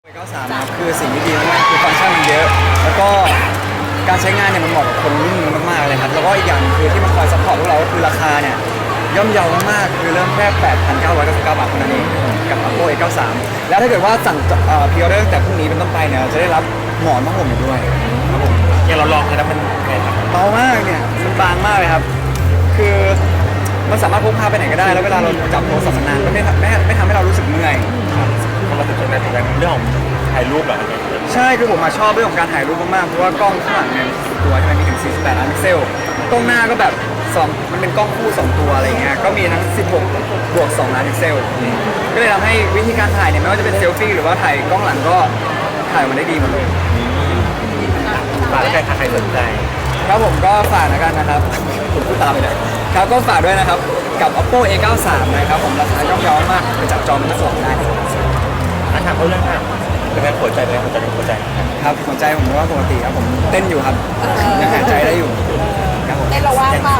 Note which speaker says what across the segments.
Speaker 1: 93ครับคือสิ่งที่ดีมากๆคือฟังก์ชันมันเยอะ แล้วก็การใช้งานเนี่ยมันเหมาะกับคนรุ่นนี้มากๆเลยครับแล้วก็อีกอย่างคือที่มันคอยซัพพอร์ตพวกเราก็คือราคาเนี่ยย่อมเยาวมากๆคือเริ่มแค่ 8,999 บาทเท่านั้นเองกับ Oppo A93 แล้วถ้าเกิดว่าสั่งพรีออเดอร์ตั้งแต่พรุ่งนี้เป็นต้นไปเนี่ยจะได้รับหมอนผ้าห่มอยู่ด้วยครับผม
Speaker 2: อย่างเราลองเลยนะมันไงครับ
Speaker 1: เบามากเนี่ยมันบางมากเลยครับคือมันสามารถพกพาไปไหนก็ได้แล้วเวลาเราจับโทรศัพท์นานก็ไม่ทำให้เรารู้สึกเมื่อย
Speaker 2: พอมาถึงตรงนั้นเรื่องของถ่ายรูปเหรอครับ
Speaker 1: ใช่คือผมชอบเรื่องของการถ่ายรูปมากๆเพราะว่ากล้องข้างหลังเนี่ยตัวใช่ไหมมีถึง 48 ล้านพิกเซลกล้องหน้าก็แบบมันเป็นกล้องคู่ 2 ตัวอะไรเงี้ยก็มีทั้ง 16 บวก 2 ล้านพิกเซลก็เลยทำให้วิธีการถ่ายเนี่ยไม่ว่าจะเป็นเซลฟี่หรือว่าถ่ายกล้องหลังก็ถ่ายมันได้ดีหมดเลย
Speaker 2: ฝากแล้วกันถ้าใครสนใจ
Speaker 1: ครับผมก็ฝากแล้วกันนะครับผมพูดตามไปเลยครับก็ฝากด้วยนะครับกับ Oppo A93 นะครับผมราคาย่อมเยาวมากไปจับจองเป็นส่วนได้
Speaker 2: ถามเขาเรื่องเป็นไงหัวใจเป็นไงหัวใจ
Speaker 1: ครับหัวใจผมว่าปกติครับผมเต้นอยู่ครับยังหายใจได้อยู่ครับผม
Speaker 3: เต้นเราว่างเปล่า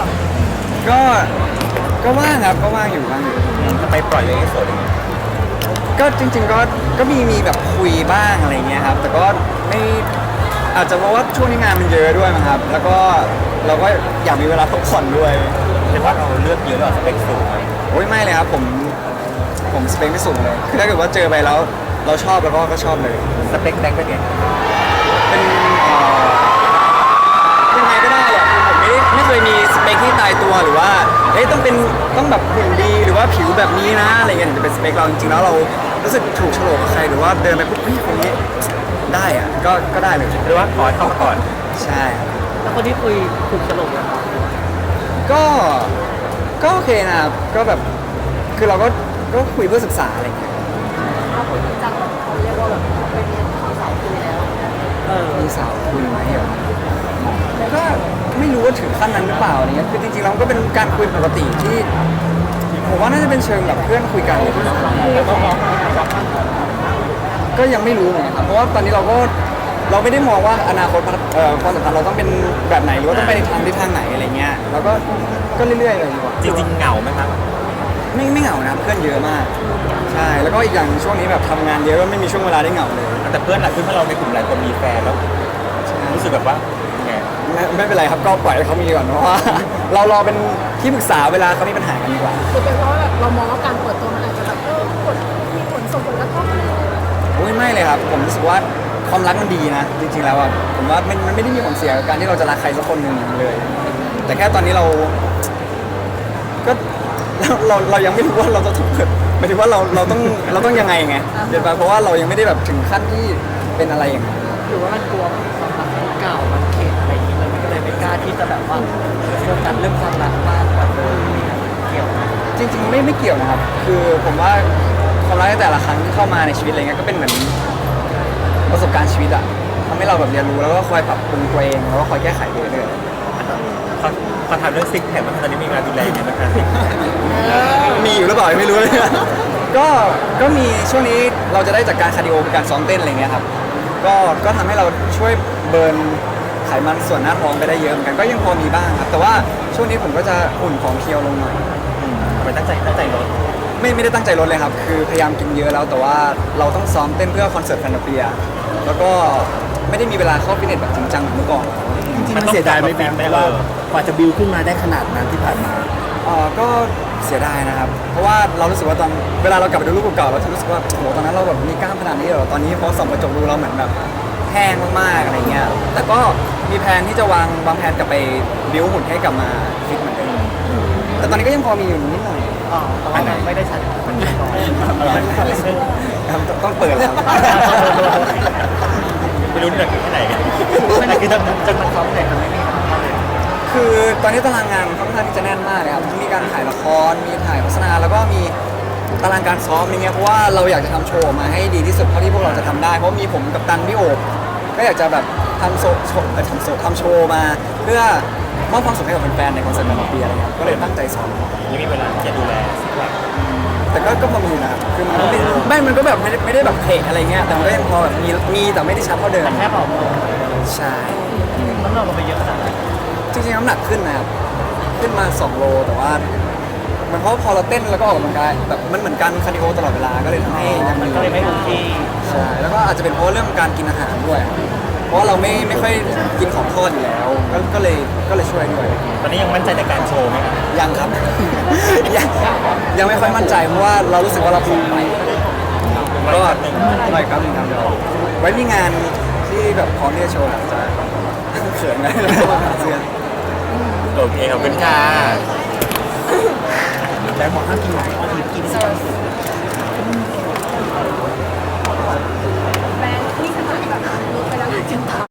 Speaker 1: ก็ว่างครับก็ว่างอยู่
Speaker 2: ทำไมปล่อยเลยให้สด
Speaker 1: ก็จริงๆก็มีแบบคุยบ้างอะไรเงี้ยครับแต่ก็ไม่อาจจะเพราะว่าช่วงนี้งานมันเยอะด้วยมั้งครับแล้วก็เราก็อยากมีเวลาพักผ่อนด้วย
Speaker 2: เรียกว่าเราเลือกเยอะหรอสเปคสูงไหม
Speaker 1: โอ้ยไม่เลยครับผมสเปคไม่สูงเลยคือถ้าเกิดว่าเจอไปแล้วเราชอบแล้วก็ชอบเลย
Speaker 2: สเปคแดงเป็นไง
Speaker 1: เป็นยังไงก็ได้อะคือผมไม่เคยมีสเปคที่ตายตัวหรือว่าต้องแบบหุ่นดีหรือว่าผิวแบบนี้นะอะไรเงี้ยถึงจะเป็นสเปคเราจริงๆแล้วเรารู้สึกถูกโฉลกกับใครหรือว่าเดินไปปุ๊บคนนี้ได้อะก็ได้เลย
Speaker 2: หรือว่าขอเข้ามาก่อน
Speaker 1: ใช่ครับ
Speaker 3: แล้วคนที่คุยถูกสรุปแล้ว
Speaker 1: ก็โอเคนะครับก็แบบคือเราก็คุยเพื่อศึกษาอะไรเงี้ย
Speaker 3: ถ้าคนที่จังเขาเรียกว่าแบบเป็นสาวคุยแล้ว
Speaker 1: มีสาวคุยไหมเหรอก็ไม่รู้ว่าถึงขั้นนั้นหรือเปล่าอะไรเงี้ยคือจริงๆเราก็เป็นการคุยปกติที่ผมว่าน่าจะเป็นเชิงแบบเพื่อนคุยกันก็ยังไม่รู้เหมือนกันครับเพราะว่าตอนนี้เราไม่ได้มองว่าอนาคตความสัมพันธ์เราต้องเป็นแบบไหนหรือว่าต้องไปในทางไหนอะไรเงี้ยเราก็เรื่อยๆเลยดีกว่า
Speaker 2: จริงๆเหงาไหมครับ
Speaker 1: ไม่เหงานะครับเพื่อนเยอะมากใช่แล้วก็อีกอย่างช่วงนี้แบบทำงานเยอะก็ไม่มีช่วงเวลาได้เหงาเลย
Speaker 2: แต่เพื่อนเราในกลุ่มหลายคนมีแฟนแล้วรู้สึกแบบว่าไง
Speaker 1: ไม่เป็นไรครับก็ปล่อยให้เขามีดีกว่าเพราะว่า เรารอเป็นที่ปรึกษาเวลาเขามีปัญหากันดีกว่า
Speaker 3: คือเป็นเพราะแบบเรามองว่าการเปิดตัวมันอาจจะแบบมีผลส่งผลกระทบอะไร
Speaker 1: โอ้ยไม่เลยครับผมรู้สึกว่าความรักมันดีนะจริงๆแล้วอ่ะผมว่ามันไม่ได้มีผลเสียกับการที่เราจะรักใครสักคนหนึ่งเลย แต่แค่ตอนนี้ก็เรายังไม่รู้ว่าเราจะถูกหมายถึงว่าเราต้องยังไงเดี๋ยวเพราะว่าเรายังไม่ได้แบบถึงขั้นที่เป็นอะไรอย่างนั้น
Speaker 3: หรือว่ามันกลัวความรักเก่ามันเข็ดอะไรอย่างนี้มันก็เลยไม่กล้าที่จะแบบว่าโฟกัสเรื่องความรักมากแบบเกี่ยวนะ
Speaker 1: จริงๆไม่เกี่ยวนะครับคือผมว่าความรักในแต่ละครั้งที่เข้ามาในชีวิตอะไรเงี้ยก็เป็นเหมือนประสบการณ์ชีวิตอะทำให้เราแบบเรียนรู้แล้วก็คอยปรับปรุงตัวเองแล้วก็คอยแก้ไขไปเรื่อย
Speaker 2: เขาถามเรื่องซิกแพคว่าตอนนี้มีงานดูแลยังไงบ้างครับ
Speaker 1: มีอยู่หรือเปล่ายังไม่รู้เลย ก็มีช่วงนี้เราจะได้จากการคาร์ดิโอเป็นการซ้อมเต้นอะไรเงี้ยครับก็ทำให้เราช่วยเบิร์นไขมันส่วนหน้าท้องไปได้เยอะเหมือนกันก็ยังพอมีบ้างครับแต่ว่าช่วงนี้ผมก็จะหุ่นของเคียวลงหน่อย
Speaker 2: ทำไมตั้งใจลด
Speaker 1: ไม่ได้ตั้งใจลดเลยครับคือพยายามกินเยอะแล้วแต่ว่าเราต้องซ้อมเต้นเพื่อคอนเสิร์ตแฟนตาเปียแล้วก็ไม่ได้มีเวลาเข้าฟิตเนสแบบจริงจังเหมือนเมื่อก่อน
Speaker 4: จริงๆมันเสียดายไหมฟิล์มเพราะว่ากว่าจะบิวขึ้นมาได้ขนาดนั้นที่ผ่านมา
Speaker 1: ก็เสียดายนะครับ เพราะว่าเรารู้สึกว่าตอนเวลาเรากลับไปดูรูปเก่าๆเราจะรู้สึกว่าโอ้โหตอนนั้นเราแบบมีกล้ามขนาดนี้เหรอตอนนี้พอส่องกระจกดูเราเหมือนแบบแห้งมากๆอะไรเงี้ยแต่ก็มีแผนที่จะวางแผนกลับไปบิ้วหุ่นให้กลับมาฟิตเหมือนเดิมแต่ตอนนี้ก็ยังพอมีอยู่นิดหน่อย
Speaker 3: อ๋อแต่ว่ามันไม่ได้ชัดมันไม่น้อย
Speaker 1: ครับต้องเปิดแล้ว
Speaker 2: ไม่รู้นี่หนักแค่ไหนกัน
Speaker 3: มันคือจนมันซ้อมเหนื่อยมันไม่มีความเลย
Speaker 1: คือตอนนี้ตารางงานค่อนข้างที่จะแน่นมากเลยครับทั้งมีการถ่ายละครมีถ่ายโฆษณาแล้วก็มีตารางการซ้อมอย่างเงี้ยเพราะว่าเราอยากจะทำโชว์ออกมาให้ดีที่สุดเท่าที่พวกเราจะทำได้เพราะมีผมกับตันพี่โอบก็อยากจะแบบทำโชว์มาเพื่อมอบความสุขให้กับแฟนๆในคอนเสิร์ตในปีอะไรเงี้ยก็เลยตั้งใจซ้อม
Speaker 2: ยังมีเวลาที่จะดูแลซิกแพค
Speaker 1: แต่ก็พอมีนะครับคือมันก็ไม่มันก็แบบไม่ได้แบบเพะอะไรเงี้ยแต่มันก็ยังพอแบบมีแต่ไม่ได้ชัดเท่าเดิม
Speaker 3: แค่บอก
Speaker 1: ใช่
Speaker 3: น้ำหนักมันไปเยอะขนาดไหน
Speaker 1: จริงๆน้ำหนักขึ้นนะครับขึ้นมา2 โลแต่ว่ามันเพราะว่าพอเราเต้นแล้วก็ออกกำลังกายแบบมันเหมือนการคาร์ดิโอตลอดเวลาก็เลยทำให้ยัง
Speaker 3: มันก็เลยไม่คงที่
Speaker 1: ใช่แล้วก็อาจจะเป็นเพราะเรื่องการกินอาหารด้วย เพราะว่าเราไม่ค่อยกินของทอดอยู่แล้วก็เลยช่วยด้วย
Speaker 2: ตอนนี้ยังมั่นใจในการโชว์ไหมครับ
Speaker 1: ยังครับ ยังไม่ค่อยมั่นใจเพราะว่าเรารู้สึกว่าเราผอมไปก็หน่อยครับหนึ่งครับเดี๋ยวไว้มีงานที่แบบพร้อมที่จะโชว์อาจจะเขินไหมเสื้อ
Speaker 2: โอเคขอบคุณค่ะ
Speaker 4: แต่บอกห้ามกินหวานก็คือกินสิ